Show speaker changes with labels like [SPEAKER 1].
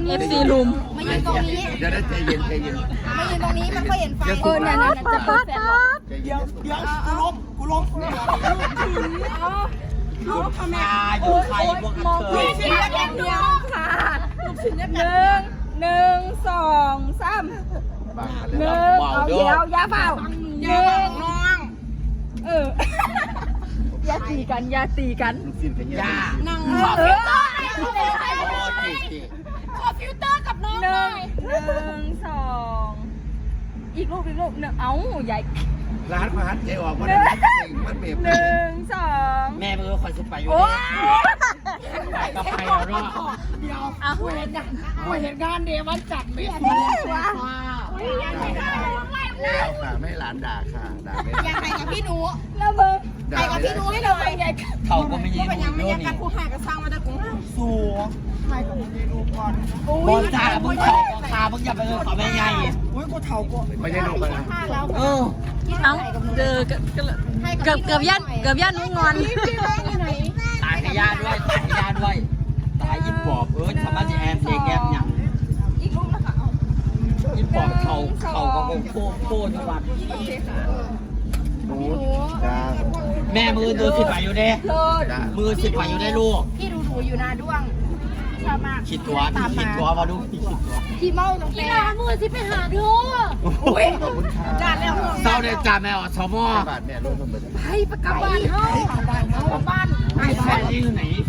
[SPEAKER 1] FC ลุม
[SPEAKER 2] มายืนตรงนี้
[SPEAKER 3] เดี๋ยวได้ใจเย็นใจเย็น
[SPEAKER 2] มายืนตรงนี้มันก็เห็นไฟ
[SPEAKER 1] เนี่ยป๊าป๊าป๊า
[SPEAKER 3] ใจเย็น
[SPEAKER 4] เดี๋ยวกูล้มลูกทำไมอยู่ใครพวกกันเธอ
[SPEAKER 1] ลูกชิ้นเดียวค่ะหนึ่งสองสาม
[SPEAKER 3] บาง
[SPEAKER 1] หนึ่งเอาเดียวยาเปล่าหนึ่ง
[SPEAKER 4] น้อง
[SPEAKER 1] อย่าตีกันอย่าตีกัน
[SPEAKER 3] สิ้นกันยา
[SPEAKER 4] นั่ง
[SPEAKER 1] เออ
[SPEAKER 3] โอ้จีจี
[SPEAKER 2] ขอฟิลเตอร์กับน้อง
[SPEAKER 1] หนึ่งสองอีกรูปหนึ่งเอ้าใหญ่
[SPEAKER 3] ร้านพัดใจออกมาได้มันเบียบ
[SPEAKER 1] หนึ่งสอง
[SPEAKER 4] แม่มึงคอยสุดไปอยู่
[SPEAKER 1] โอ้
[SPEAKER 4] ไปกับใครแล้วเนาะ
[SPEAKER 1] เอา
[SPEAKER 4] กูเห็นงานเดียวมันจัดไม่ถูก
[SPEAKER 3] เอาค่ะไม่หลานด่าค่ะด่าไม่
[SPEAKER 2] อยากใครกับพี่หนู
[SPEAKER 1] แล้วมึง
[SPEAKER 2] ใครกับพี่หนูให้หน่อย
[SPEAKER 4] เขาก็ไม่ยิ
[SPEAKER 2] ก็
[SPEAKER 4] ง
[SPEAKER 2] เป็นยังไม่
[SPEAKER 4] โย
[SPEAKER 2] ยัง
[SPEAKER 4] นี่
[SPEAKER 2] กันกูหากระซังมาแต่กู
[SPEAKER 4] สูงใครก็มึงได้รูปก่อนบอลจ่ามึงเขาขามึงอย่าไปเลยขอแม่ใหญ่อุ้ยกูเท่ากู
[SPEAKER 3] ไม่ใช่ลูกกันนะ
[SPEAKER 2] ห้าแล้ว
[SPEAKER 4] เออ
[SPEAKER 1] เอ้าเกือบย่านนุ้งงอน
[SPEAKER 4] ตายขยาด้วยตายขยาด้วยตายยิบปอบสามารถจะแอบเด็กแอบหยัง
[SPEAKER 1] อีกรูปนะคะเอา
[SPEAKER 4] ยิบปอบเขาก็โค้จังหวัด
[SPEAKER 3] หนูจ้า
[SPEAKER 4] แม่มือดูสิบไปอยู่เด้
[SPEAKER 1] เลิศ
[SPEAKER 4] มือสิบไปอยู่ได้ลูก
[SPEAKER 2] พี่ดูอยู่นาด้วงชอบมาก
[SPEAKER 4] ขีดตัวมาดูขีดตัว
[SPEAKER 2] พี่เมาตรงนี้มือที่ไปหาดู
[SPEAKER 3] อุ้ยขอบคุณค่ะ
[SPEAKER 2] จานแล้ว
[SPEAKER 4] เศร้าเด็ดจ่าแม่อสมอบ
[SPEAKER 3] าทแม่รถมันเป็น
[SPEAKER 2] ให้ประกับบ้านเฮาบ้าน
[SPEAKER 4] ไอ้แฟนนี่อยู่ไหน